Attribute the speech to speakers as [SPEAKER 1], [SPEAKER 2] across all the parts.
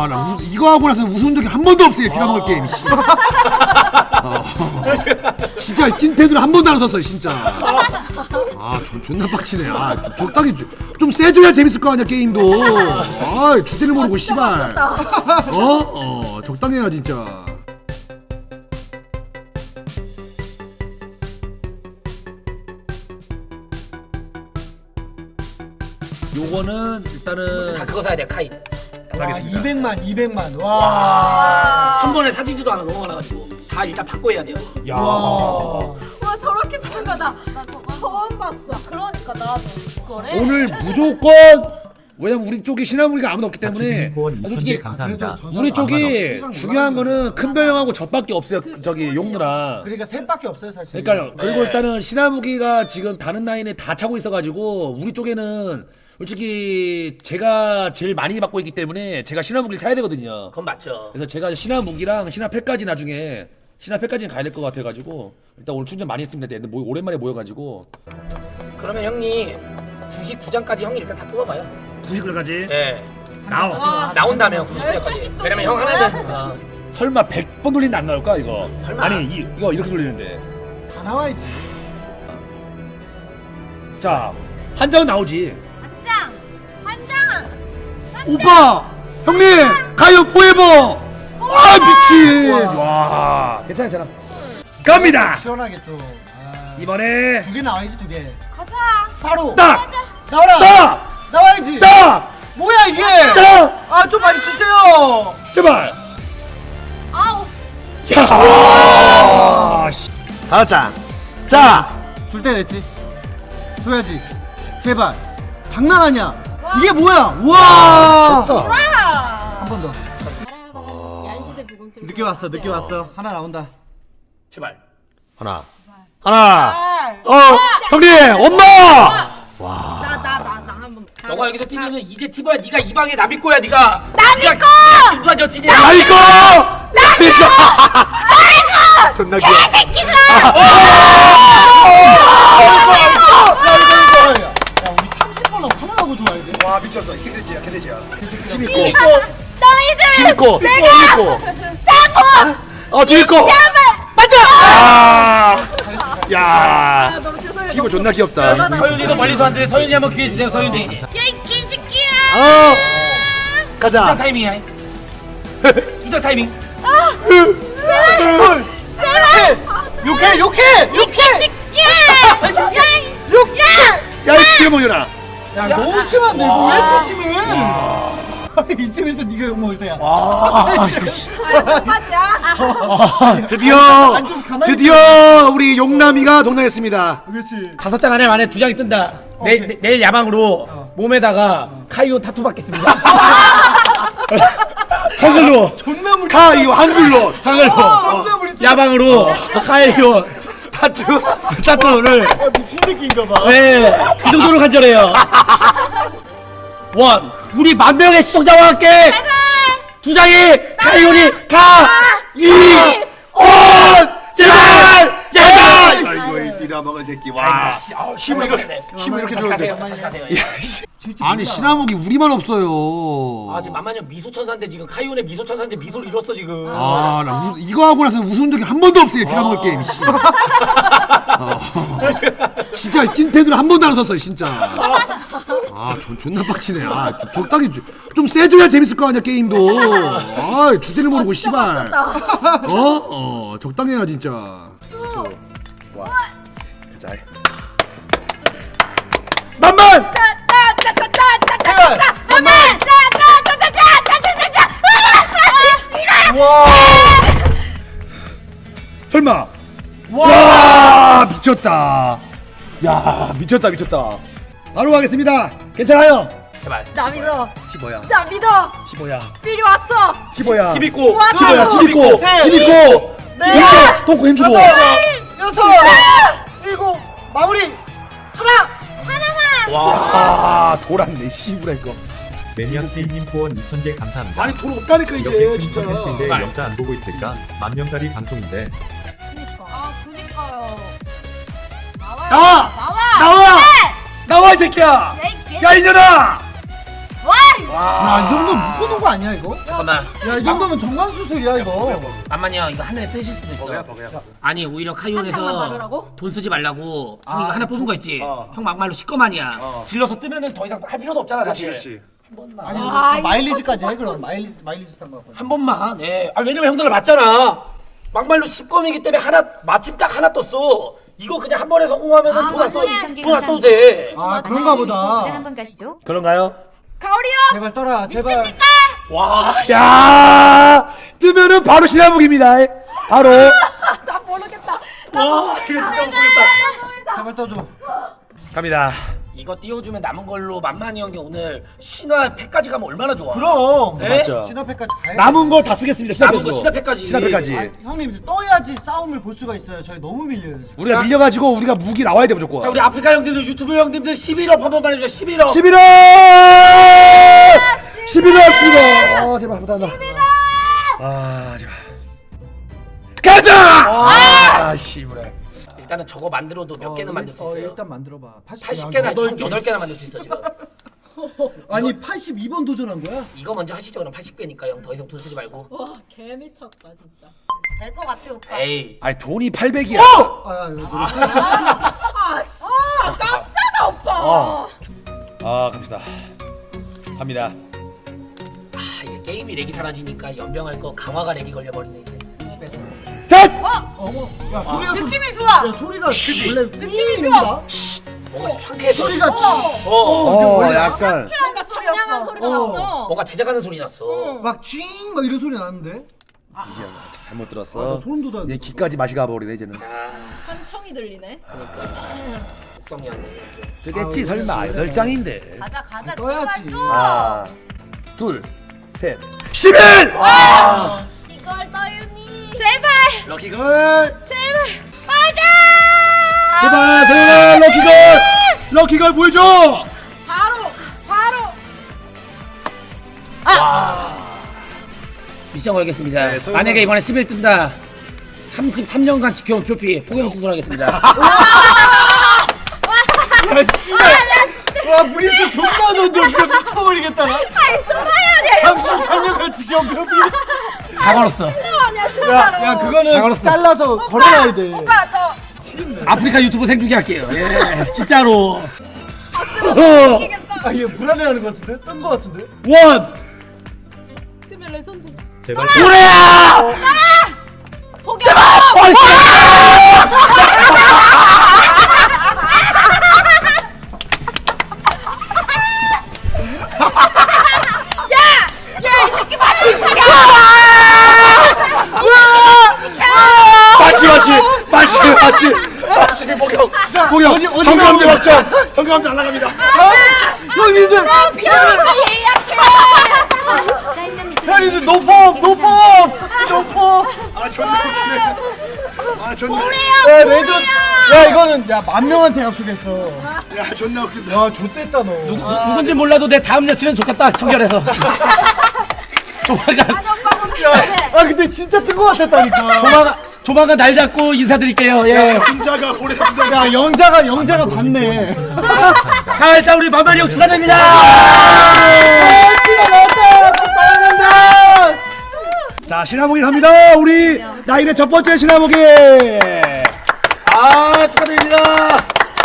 [SPEAKER 1] 나 이거 하고 나서 웃은 적이 한 번도 없어요. 빌어먹을 게임. 진짜 찐텐으로 한 번도 안 썼어요, 진짜. 존나 빡치네. 적당히 좀 세줘야 재밌을 거 아니야, 게임도. 주제를 모르고 씨발. 적당히 해야 진짜. 요거는 일단은
[SPEAKER 2] 다 그거 사야 돼 카이.
[SPEAKER 1] 사겠습니다.
[SPEAKER 3] 200만. 와.
[SPEAKER 2] 한 번에 사지지도 않아 너무 많아가지고 다 일단 바꿔 해야 돼요.
[SPEAKER 1] 야.
[SPEAKER 4] 와 저렇게 쓰는 거다. 나 저거 처음 봤어. 그러니까 나도 그래.
[SPEAKER 1] 오늘 무조건 왜냐면 우리 쪽에 신화무기가 아무도 없기 때문에 솔직히
[SPEAKER 5] 감사합니다.
[SPEAKER 1] 우리 쪽이 중요한 거는 큰별형하고 저밖에 없어요. 저기 용누랑.
[SPEAKER 3] 그러니까 셋밖에 없어요 사실.
[SPEAKER 1] 그러니까요. 그리고 일단은 신화무기가 지금 다른 라인에 다 차고 있어가지고 우리 쪽에는 솔직히 제가 제일 많이 받고 있기 때문에 제가 신화무기를 사야 되거든요.
[SPEAKER 2] 그건 맞죠.
[SPEAKER 1] 그래서 제가 신화무기랑 신화팩까지 나중에 신화팩까지는 가야 될 것 같아가지고 일단 오늘 충전 많이 했습니다. 근데 오랜만에 모여가지고.
[SPEAKER 2] 그러면 형님 99장까지 형이 일단 다 뽑아봐요.
[SPEAKER 1] 90까지?
[SPEAKER 2] 네.
[SPEAKER 1] 나온다며
[SPEAKER 2] 99장까지. 왜냐면 형 하나는
[SPEAKER 1] 설마 100번 돌리는데 안 나올까 이거?
[SPEAKER 2] 설마.
[SPEAKER 1] 아니 이거 이렇게 돌리는데.
[SPEAKER 3] 다 나와야지.
[SPEAKER 1] 자, 한 장은 나오지.
[SPEAKER 4] 한 장.
[SPEAKER 1] 오빠! 형님! 가요 포에버! 미친! 와, 괜찮아. 갑니다!
[SPEAKER 3] 시원하게 좀.
[SPEAKER 1] 이번에
[SPEAKER 3] 2개 나와야지 2개.
[SPEAKER 4] 가자.
[SPEAKER 3] 바로.
[SPEAKER 1] 딱!
[SPEAKER 3] 나와라.
[SPEAKER 1] 딱!
[SPEAKER 3] 나와야지.
[SPEAKER 1] 딱!
[SPEAKER 3] 뭐야 이게?
[SPEAKER 1] 딱!
[SPEAKER 3] 좀 많이 주세요.
[SPEAKER 1] 제발!
[SPEAKER 4] 아우.
[SPEAKER 1] 야! 다섯 장. 자!
[SPEAKER 3] 줄 때 됐지. 줘야지. 제발. 장난 아니야. 이게 뭐야? 우와.
[SPEAKER 1] 좋다.
[SPEAKER 3] 한 번 더.
[SPEAKER 4] 얀시대 부금틀.
[SPEAKER 3] 늦게 왔어. 하나 나온다.
[SPEAKER 2] 제발.
[SPEAKER 1] 하나. 형님! 엄마!
[SPEAKER 4] 나 한번.
[SPEAKER 2] 너가 여기서 뛰면은 이제 티버야. 네가 이 방에 남일 거야. 네가.
[SPEAKER 4] 남일 거!
[SPEAKER 2] 누가 저 지냐?
[SPEAKER 1] 나이거! 존나 귀여워.
[SPEAKER 3] 야 우리 30번을 하나하고 좋아야 돼.
[SPEAKER 1] 와 미쳤어. 개돼지야. 팀 있고.
[SPEAKER 4] 너희들.
[SPEAKER 1] 팀 있고. 팀 있고. 맞아. 야.
[SPEAKER 4] 너무 죄송해요.
[SPEAKER 1] 팀은 존나 귀엽다.
[SPEAKER 2] 서윤이도 멀리서 왔는데 서윤이 한번 기회 주세요. 서윤이.
[SPEAKER 4] 야이 새끼야.
[SPEAKER 1] 가자.
[SPEAKER 2] 두장 타이밍이야. 두장 타이밍.
[SPEAKER 3] 욕해.
[SPEAKER 1] 야, 이 귀여워라.
[SPEAKER 3] 야 너무 심한데 이거 왜 이렇게 심해? 이쯤에서 네가 욕 먹을 때야.
[SPEAKER 4] 맞아.
[SPEAKER 1] 드디어 우리 용남이가 동남했습니다.
[SPEAKER 3] 그렇지.
[SPEAKER 2] 5장 안에 2장이 뜬다. 내일 야방으로 몸에다가 카이오 타투 받겠습니다.
[SPEAKER 1] 한글로.
[SPEAKER 3] 존나 무리.
[SPEAKER 1] 이거 한글로.
[SPEAKER 3] 존나 무리.
[SPEAKER 2] 야방으로 카이오 타투를
[SPEAKER 3] 미친 새끼인가 봐.
[SPEAKER 2] 네, 그 정도로 간절해요. 우리 10,000명의 시청자와 함께 2장이 카이오니 제발!
[SPEAKER 1] 아이고 빌어먹을 새끼. 와. 힘을 이렇게 줘도 돼.
[SPEAKER 2] 다시 가세요.
[SPEAKER 1] 아니 신화무기 우리만 없어요.
[SPEAKER 2] 지금 만만형 미소천사인데 지금 카이온의 미소천사인데 미소를 잃었어 지금.
[SPEAKER 1] 나 이거 하고 나서 웃은 적이 한 번도 없어요. 빌어먹을 게임. 진짜 찐텐으로 한 번도 안 썼어요. 진짜. 존나 빡치네. 적당히 좀 세줘야 재밌을 거 아니야 게임도. 주제를 모르고 씨발. 적당히 해야 진짜. 와. 자. 만만.
[SPEAKER 3] 와.
[SPEAKER 1] 설마. 와 미쳤다. 야 미쳤다. 바로 가겠습니다. 괜찮아요.
[SPEAKER 2] 제발.
[SPEAKER 4] 나 믿어.
[SPEAKER 1] 티버야.
[SPEAKER 4] 나 믿어.
[SPEAKER 1] 티버야.
[SPEAKER 4] 필이 왔어.
[SPEAKER 1] 티버야.
[SPEAKER 2] 팀 있고.
[SPEAKER 1] 티버야. 팀 있고.
[SPEAKER 3] 네.
[SPEAKER 1] 똥꼬 힘주고.
[SPEAKER 3] 6, 7, 마무리.
[SPEAKER 1] 와 돌았네 씨부라 이거.
[SPEAKER 5] 매니아팀님 후원 2,000개 감사합니다.
[SPEAKER 1] 아니 돈 없다니까 이제
[SPEAKER 5] 이렇게 큰
[SPEAKER 1] 진짜.
[SPEAKER 5] 컨텐츠인데 영자 안 보고 있을까? 10,000명짜리 방송인데.
[SPEAKER 4] 그니까요.
[SPEAKER 1] 나와 이 새끼야.
[SPEAKER 4] 야, 이
[SPEAKER 1] 야 이년아.
[SPEAKER 4] 와!
[SPEAKER 3] 야이 정도 묶어놓은 거 아니야 이거?
[SPEAKER 2] 잠깐만.
[SPEAKER 3] 야 이 정도면 정관 수술이야 이거.
[SPEAKER 2] 만만이요 이거 하늘에 뜨실 수도 있어. 아니 오히려
[SPEAKER 4] 한 장만
[SPEAKER 2] 카이온에서
[SPEAKER 4] 받으라고?
[SPEAKER 2] 돈 쓰지 말라고. 형 이거 하나 뽑은 거 있지. 형 막말로 시꺼만이야. 질러서 뜨면은 더 이상 할 필요도 없잖아 사실.
[SPEAKER 3] 아니
[SPEAKER 4] 아,
[SPEAKER 3] 마일리지까지 해 그럼 마일리지 싼 거.
[SPEAKER 2] 한 번만. 예. 아 왜냐면 형들 맞잖아. 막말로 10검이기 때문에 하나 마침 딱 하나 떴어. 이거 그냥 한 번에 성공하면은 돈 안 써도 돼.
[SPEAKER 3] 아 그런가 보다.
[SPEAKER 6] 한번 가시죠.
[SPEAKER 1] 그런가요?
[SPEAKER 4] 가오리요.
[SPEAKER 3] 제발 떠라 제발.
[SPEAKER 2] 와.
[SPEAKER 1] 야 뜨면은 바로 신화복입니다. 바로.
[SPEAKER 4] 나 모르겠다.
[SPEAKER 2] 와 이거 진짜 못 보겠다.
[SPEAKER 3] 제발 떠줘.
[SPEAKER 1] 갑니다.
[SPEAKER 2] 이거 띄워주면 남은 걸로 만만이 형이 오늘 신화 팩까지 가면 얼마나 좋아.
[SPEAKER 3] 그럼.
[SPEAKER 2] 네?
[SPEAKER 1] 맞죠.
[SPEAKER 3] 신화패까지 가야.
[SPEAKER 1] 남은 거 다 쓰겠습니다.
[SPEAKER 2] 남은 거 신화팩까지.
[SPEAKER 1] 신화팩까지.
[SPEAKER 3] 아, 형님 형님들 떠야지 싸움을 볼 수가 있어요. 저희 너무 밀려요 지금.
[SPEAKER 1] 우리가 밀려가지고 우리가 무기 나와야 돼 무조건.
[SPEAKER 2] 자 우리 아프리카 형님들 유튜브 형님들 11업 한 번만 해주세요. 11업.
[SPEAKER 1] 11월! 11월! 제발 감사합니다. 아 제발. 가자! 씨부래.
[SPEAKER 2] 일단은 저거 만들어도 몇 개는 만들 수 있어요.
[SPEAKER 3] 일단 만들어봐.
[SPEAKER 2] 80개나 8개나 만들 수 있어 지금.
[SPEAKER 3] 아니 82번 도전한 거야?
[SPEAKER 2] 이거 먼저 하시죠. 그럼 80개니까 형 더 이상 돈 쓰지 말고.
[SPEAKER 4] 와, 개 미쳤다 진짜.
[SPEAKER 6] 될 것 같아 오빠.
[SPEAKER 2] 에이.
[SPEAKER 1] 아니 돈이 800이야.
[SPEAKER 3] 아 이거
[SPEAKER 4] 아씨. 깜짝아 오빠.
[SPEAKER 1] 아 갑시다. 갑니다.
[SPEAKER 2] 아 이게 게임이 렉이 사라지니까 연병할 거 강화가 렉이 걸려버리네 이제. 집에서.
[SPEAKER 1] 자!
[SPEAKER 3] 어머 야 소리가
[SPEAKER 4] 느낌이 좋아.
[SPEAKER 3] 야 소리가 원래 느낌이 좋아.
[SPEAKER 2] 뭔가 상쾌해.
[SPEAKER 3] 소리가
[SPEAKER 1] 약간
[SPEAKER 4] 뭔가 청량한 소리가 났어.
[SPEAKER 2] 뭔가 제작하는 소리 났어.
[SPEAKER 3] 막쥐막 이런 소리 나는데.
[SPEAKER 1] 잘못
[SPEAKER 3] 나
[SPEAKER 1] 들었어.
[SPEAKER 3] 소름 돋아.
[SPEAKER 1] 얘 기까지 맛이 가버리네 이제는.
[SPEAKER 4] 한청이 들리네.
[SPEAKER 2] 독성이 안 돼.
[SPEAKER 1] 뜨겠지 설마 8장인데.
[SPEAKER 6] 가자 가자.
[SPEAKER 3] 떠야지.
[SPEAKER 1] 하나, 둘, 셋. 11!
[SPEAKER 4] 이걸 떠유니. 제발.
[SPEAKER 1] 럭키걸.
[SPEAKER 4] 제발.
[SPEAKER 1] 제발 세연아 럭키걸. 럭키걸 보여줘.
[SPEAKER 4] 바로.
[SPEAKER 2] 미션 걸겠습니다.
[SPEAKER 1] 네, 서울만-
[SPEAKER 2] 만약에 이번에 11 뜬다. 33년간 지켜온 표피 포경 수술하겠습니다.
[SPEAKER 3] 와 브리스 존나 던져 진짜 미쳐버리겠다 나.
[SPEAKER 4] 아이 떠나야 돼.
[SPEAKER 3] 33년간 지켜온 뼈.
[SPEAKER 2] 강화로서
[SPEAKER 4] 아니야 진짜로.
[SPEAKER 3] 야 그거는
[SPEAKER 2] 잘했어.
[SPEAKER 3] 잘라서 걸어놔야 돼.
[SPEAKER 4] 오빠 저
[SPEAKER 2] 아프리카 유튜브 생중계 할게요. 예, 진짜로.
[SPEAKER 4] 이기겠다.
[SPEAKER 3] 아 얘 불안해하는 것 같은데? 뜬 것 같은데?
[SPEAKER 1] 원.
[SPEAKER 4] 팀의 레전드.
[SPEAKER 5] 제발
[SPEAKER 1] 고래야.
[SPEAKER 4] 포기.
[SPEAKER 1] 마치 복영 정감제 확정. 정감제 날라갑니다.
[SPEAKER 3] 형님들! 형님들 노폼!
[SPEAKER 1] 아 존나 웃기네. 아 존나.
[SPEAKER 3] 야 레전 야 이거는 야 10,000명한테 약속했어.
[SPEAKER 1] 야 존나 웃긴다.
[SPEAKER 3] 야 좆됐다 너.
[SPEAKER 2] 누군지 몰라도 내 다음 여친은 좋겠다. 청결해서. 조만간
[SPEAKER 3] 아 근데 진짜 뜬 것 같았다니까.
[SPEAKER 2] 조만간 날 잡고 인사드릴게요. 예.
[SPEAKER 1] 혼자가 고래 혼자.
[SPEAKER 3] 야 영자가 봤네.
[SPEAKER 2] 자 일단 우리 만만이 형 축하드립니다.
[SPEAKER 3] 씨가 나왔다. 빨간다.
[SPEAKER 1] 자 신화복이 갑니다. 우리 나인의 첫 번째 신화복이.
[SPEAKER 2] 아 축하드립니다.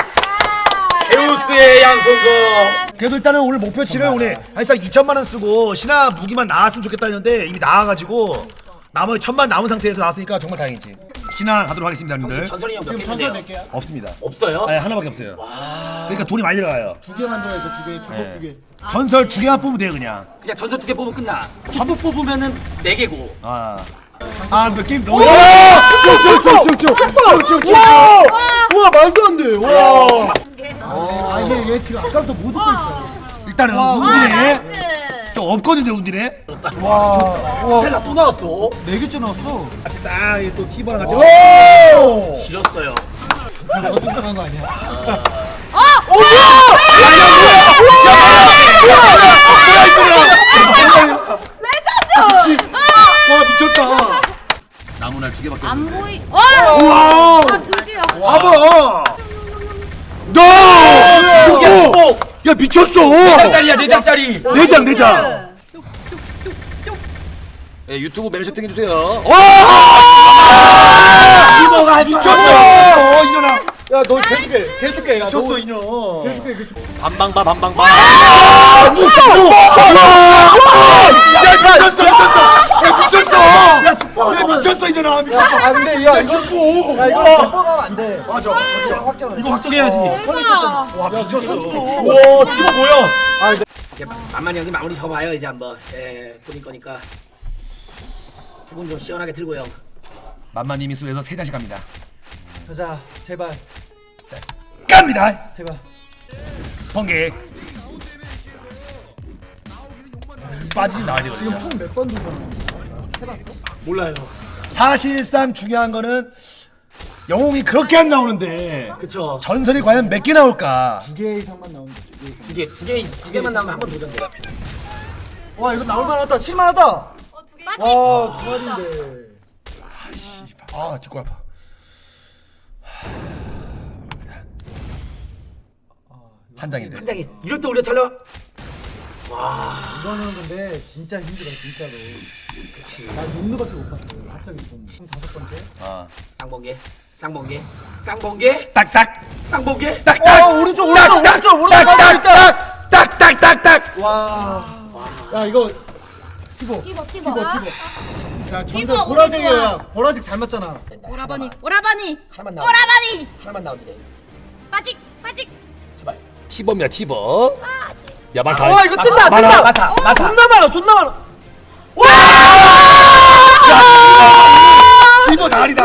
[SPEAKER 2] 제우스의 양손거.
[SPEAKER 1] 그래도 일단은 오늘 목표치를 오늘 사실상 2천만 원 쓰고 신화 무기만 나왔으면 좋겠다 했는데 이미 나와가지고 나머지 1,000만 남은 상태에서 나왔으니까 정말 다행이지. 신화 가도록 하겠습니다, 여러분들.
[SPEAKER 2] 전설이 형 몇 개
[SPEAKER 3] 지금 전설 몇
[SPEAKER 2] 있는데요?
[SPEAKER 3] 개야?
[SPEAKER 1] 없습니다.
[SPEAKER 2] 없어요?
[SPEAKER 1] 네, 하나밖에 없어요. 그러니까 돈이 많이 들어가요.
[SPEAKER 3] 2개 만들어야 돼 2개. 주먹 2개.
[SPEAKER 1] 전설 2개만 뽑으면 돼요, 그냥.
[SPEAKER 2] 그냥 전설 2개 뽑으면 끝나. 전부 뽑으면은 4개고.
[SPEAKER 1] 근데 게임 너무.
[SPEAKER 3] 쭉쭉쭉쭉쭉쭉쭉쭉. 와 말도 안 돼. 와. 아 얘 지금 아까부터 못 듣고 있어.
[SPEAKER 1] 일단은 운디네. 좀 없거든요, 운디네.
[SPEAKER 3] 와.
[SPEAKER 2] 스텔라 또 나왔어.
[SPEAKER 3] 4개째 나왔어.
[SPEAKER 1] 같이 딱또 티버랑 같이.
[SPEAKER 3] 오!
[SPEAKER 2] 지렸어요.
[SPEAKER 3] 너 뚱뚱한 거 아니야?
[SPEAKER 1] 와 미쳤다. 나무날 2개밖에.
[SPEAKER 6] 안 보이.
[SPEAKER 1] 우와.
[SPEAKER 6] 드디어.
[SPEAKER 1] 봐봐. 너. 야 미쳤어.
[SPEAKER 2] 4장짜리야 4장짜리.
[SPEAKER 1] 4장.
[SPEAKER 2] 네, 유튜브 매니저 땡겨주세요.
[SPEAKER 1] 와!
[SPEAKER 2] 이모가
[SPEAKER 1] 미쳤어. 이년아.
[SPEAKER 3] 야너 계속해. 야,
[SPEAKER 1] 미쳤어 이년.
[SPEAKER 3] 계속해.
[SPEAKER 2] 반방바 반방바.
[SPEAKER 1] 야 미쳤어. 야 미쳤어 이년아 미쳤어.
[SPEAKER 3] 아 근데 야 이거
[SPEAKER 1] 이거
[SPEAKER 3] 제법하면 안 돼.
[SPEAKER 1] 맞아.
[SPEAKER 3] 확정.
[SPEAKER 2] 이거 확정해야지.
[SPEAKER 1] 와 미쳤어.
[SPEAKER 2] 와 티모 뭐야? 만만히 형님 마무리 접어봐요 이제 한번. 예, 뿌릴 거니까 두 분 좀 시원하게 들고요. 만만님이 수에서 3장씩 갑니다.
[SPEAKER 3] 가자 제발.
[SPEAKER 1] 갑니다.
[SPEAKER 3] 제발.
[SPEAKER 1] 번개. 빠지지 나야 돼.
[SPEAKER 3] 지금 총 몇 번 도전?
[SPEAKER 2] 몰라요.
[SPEAKER 1] 사실상 중요한 거는 영웅이 그렇게 안 나오는데
[SPEAKER 2] 그쵸.
[SPEAKER 1] 전설이 과연 몇 개 나올까?
[SPEAKER 3] 2개 이상만 나오면 돼.
[SPEAKER 2] 두 개만 나오면 한 번 도전돼요.
[SPEAKER 3] 와 이거 나올 만하다. 칠만하다.
[SPEAKER 4] 두 개.
[SPEAKER 3] 와 두 마리인데.
[SPEAKER 1] 아 듣고 아파. 한 장인데.
[SPEAKER 2] 한 장이 이럴 때 우리가 촬영.
[SPEAKER 3] 이거는 근데 진짜 힘들어 진짜로.
[SPEAKER 2] 그치.
[SPEAKER 3] 나 육루밖에 못 봤어. 갑자기 좀 5번째.
[SPEAKER 1] 아.
[SPEAKER 2] 쌍번개.
[SPEAKER 1] 딱딱.
[SPEAKER 2] 쌍번개.
[SPEAKER 1] 딱딱.
[SPEAKER 3] 오른쪽 가고 있다.
[SPEAKER 1] 딱딱딱딱.
[SPEAKER 3] 와. 야 이거 티보.
[SPEAKER 4] 티보.
[SPEAKER 3] 야
[SPEAKER 4] 티보,
[SPEAKER 3] 전설 보라색이야. 보라색 잘 맞잖아.
[SPEAKER 4] 오라버니.
[SPEAKER 2] 하나만 나와.
[SPEAKER 4] 오라버니.
[SPEAKER 2] 하나만 나오면 돼.
[SPEAKER 4] 빠직.
[SPEAKER 2] 제발. 티버입니다 티버. 야 많다.
[SPEAKER 3] 와 이거 뜬다.
[SPEAKER 2] 많다.
[SPEAKER 3] 존나 많아.
[SPEAKER 1] 티버 날이다.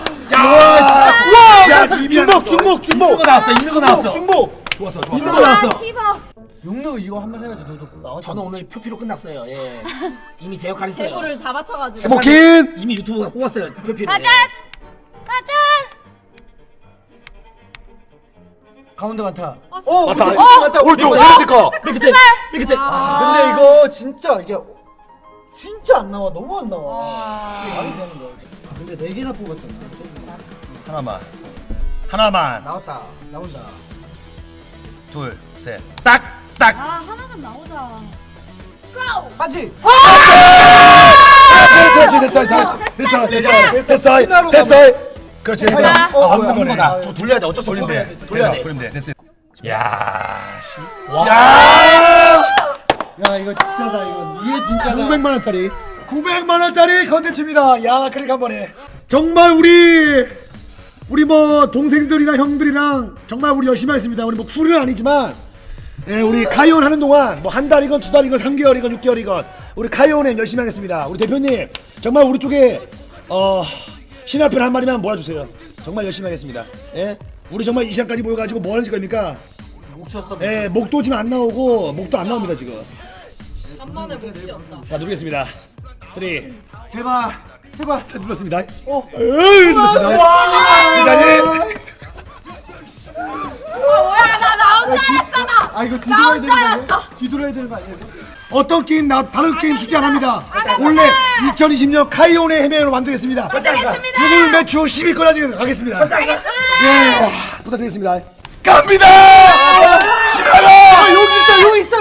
[SPEAKER 1] 야, 중복.
[SPEAKER 2] 있는 거 나왔어.
[SPEAKER 3] 중복.
[SPEAKER 1] 좋았어.
[SPEAKER 2] 있는 거 나왔어.
[SPEAKER 4] 티보.
[SPEAKER 3] 육루 이거 한번 해야지 너도 나와.
[SPEAKER 2] 저는 오늘 표피로 끝났어요. 예. 이미 제 역할 했어요.
[SPEAKER 4] 대구를 다 맞춰가지고.
[SPEAKER 1] 스모킨.
[SPEAKER 2] 이미 유튜브가 뽑았어요. 표피로.
[SPEAKER 4] 맞아.
[SPEAKER 3] 가운데 많다.
[SPEAKER 1] 맞다. 오른쪽 사라질 거.
[SPEAKER 2] 맨 끝에.
[SPEAKER 3] 근데 이거 진짜 이게 진짜 안 나와. 너무 안 나와. 이게 말이 되는 거야. 근데 4개나 뽑았잖아.
[SPEAKER 1] 하나만.
[SPEAKER 3] 나왔다. 나온다.
[SPEAKER 1] 둘, 셋. 딱.
[SPEAKER 4] 하나만 나오자. 고!
[SPEAKER 3] 빠지.
[SPEAKER 1] 됐어. 그렇지. 됐어. 없는 거네.
[SPEAKER 2] 거다. 저 돌려야 돼. 어쩔 수 없어. 돌려야 돼.
[SPEAKER 1] 돌리면 돼. 됐어. 야,
[SPEAKER 3] 야 이거 진짜다. 이게 진짜다.
[SPEAKER 1] 900만 원짜리. 900만 원짜리 컨텐츠입니다. 야, 클릭 한 번에. 정말 우리 뭐 동생들이랑 형들이랑 정말 우리 열심히 했습니다. 우리 뭐 쿨은 아니지만 예, 우리 카이온 하는 동안 뭐 한 달이건 두 달이건 3개월이건 6개월이건 우리 카이온에 열심히 하겠습니다. 우리 대표님 정말 우리 쪽에 신화편 한 마리만 몰아주세요. 정말 열심히 하겠습니다. 예, 우리 정말 이 시간까지 모여가지고 뭐 하는 겁니까?
[SPEAKER 3] 목 쉬었어.
[SPEAKER 1] 예, 목도 지금 안 나오고 목도 안 나옵니다 지금.
[SPEAKER 4] 간만에 목시였다.
[SPEAKER 1] 자 누르겠습니다. 3.
[SPEAKER 3] 제발.
[SPEAKER 1] 자 눌렀습니다. 눌렀습니다. 이 자리.
[SPEAKER 4] 뭐야 나 혼자 알았잖아.
[SPEAKER 3] 아 이거
[SPEAKER 4] 나 혼자 알았어.
[SPEAKER 3] 뒤돌아야 되는 거 아니야?
[SPEAKER 1] 어떤 게임 다른 게임 숙제 안 합니다. 원래 2020년 카이온의 해명으로 만들겠습니다. 구글 매출 10위권까지 가겠습니다. 예, 부탁드리겠습니다. 갑니다. 신나라.
[SPEAKER 3] 여기 있어.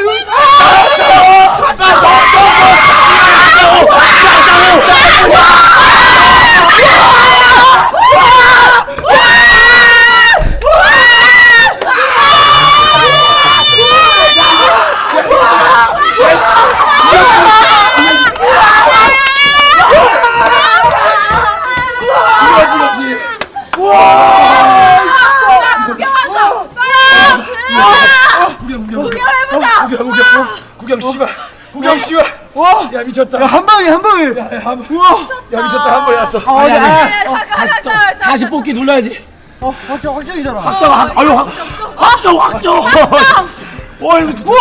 [SPEAKER 1] 구경 씨발.
[SPEAKER 3] 와.
[SPEAKER 1] 야 미쳤다.
[SPEAKER 3] 야 한 방에.
[SPEAKER 1] 야 미쳤다. 한 번에 왔어.
[SPEAKER 4] 잠깐만.
[SPEAKER 2] 다시 뽑기 눌러야지.
[SPEAKER 3] 확정이잖아.
[SPEAKER 1] 확정. 와 이거.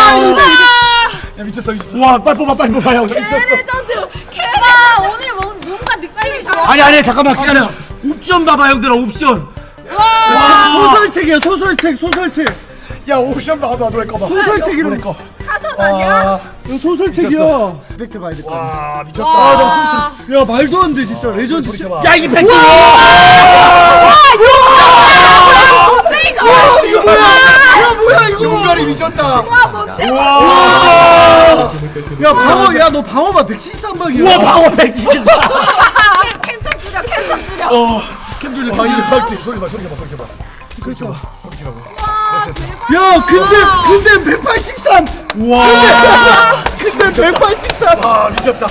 [SPEAKER 1] 야 미쳤어. 와 빨리 뽑아 형.
[SPEAKER 4] 레전드. 걔가 오늘 뭔가 느낌이 좋아.
[SPEAKER 2] 아니 잠깐만 기다려. 옵션 봐봐 형들아 옵션.
[SPEAKER 3] 소설책.
[SPEAKER 1] 야 옵션 봐봐 노래 꺼봐.
[SPEAKER 3] 소설책이라는
[SPEAKER 1] 거.
[SPEAKER 4] 사전 아니야?
[SPEAKER 3] 이거 소설책이야. 팩트 봐야 돼.
[SPEAKER 1] 와 미쳤다.
[SPEAKER 3] 나 소설책. 야 말도 안 돼 진짜. 레전드.
[SPEAKER 1] 소리 켜봐.
[SPEAKER 2] 야 이게 팩트.
[SPEAKER 4] 와 이거
[SPEAKER 3] 이거 뭐야? 야 뭐야 이거?
[SPEAKER 1] 용가리 미쳤다.
[SPEAKER 4] 와 뭔데?
[SPEAKER 3] 와. 야 방어 야너 방어만 173방이야.
[SPEAKER 2] 우와 방어 170.
[SPEAKER 4] 캔슬 줄여 캔슬 줄여.
[SPEAKER 1] 캠줄리 다 이거 박지. 소리 봐 소리 봐 소리 봐. 그렇죠.
[SPEAKER 4] 와 대박.
[SPEAKER 3] 야 근데 183.
[SPEAKER 1] 와.
[SPEAKER 3] 근데 183.
[SPEAKER 1] 아 미쳤다.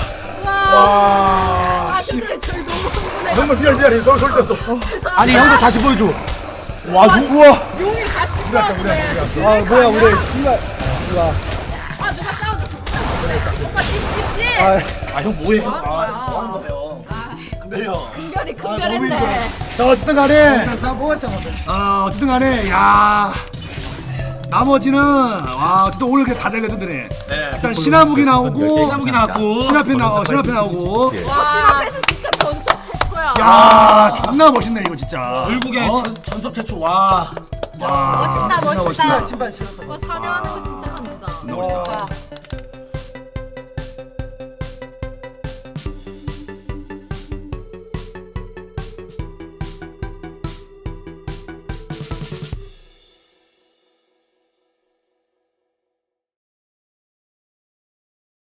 [SPEAKER 4] 와. 아저씨 저희 너무 흥분해.
[SPEAKER 1] 정말 미안해. 너 소리 졌어.
[SPEAKER 2] 아니 형도 다시 보여줘.
[SPEAKER 3] 와 누구야?
[SPEAKER 4] 용이 같이 싸웠네.
[SPEAKER 3] 아 뭐야 우리 순간.
[SPEAKER 4] 아 누가 싸워줬어? 오빠 찌찌찌.
[SPEAKER 3] 아,
[SPEAKER 2] 아 형 뭐해 형?
[SPEAKER 4] 뭐야?
[SPEAKER 2] 뭐 하는 거예요? 금별이 형.
[SPEAKER 4] 금별이 금별했네.
[SPEAKER 1] 자 어쨌든 간에
[SPEAKER 3] 나 뽑았잖아.
[SPEAKER 1] 어쨌든 간에 야 나머지는 와 어쨌든 오늘 다 달려드네.
[SPEAKER 2] 네.
[SPEAKER 1] 일단 신화무기 나오고
[SPEAKER 2] 신화무기 나왔고.
[SPEAKER 1] 신화편 나오고.
[SPEAKER 4] 와 신화패스 진짜 전사 최초야.
[SPEAKER 1] 야 존나 멋있네 이거 진짜.
[SPEAKER 2] 결국에
[SPEAKER 1] 어?
[SPEAKER 2] 전섭 최초 와.
[SPEAKER 1] 와,
[SPEAKER 4] 멋있다 멋있다.
[SPEAKER 3] 신발 신었다.
[SPEAKER 4] 와 사냥하는 거 진짜 감사다.
[SPEAKER 1] 존나 멋있다.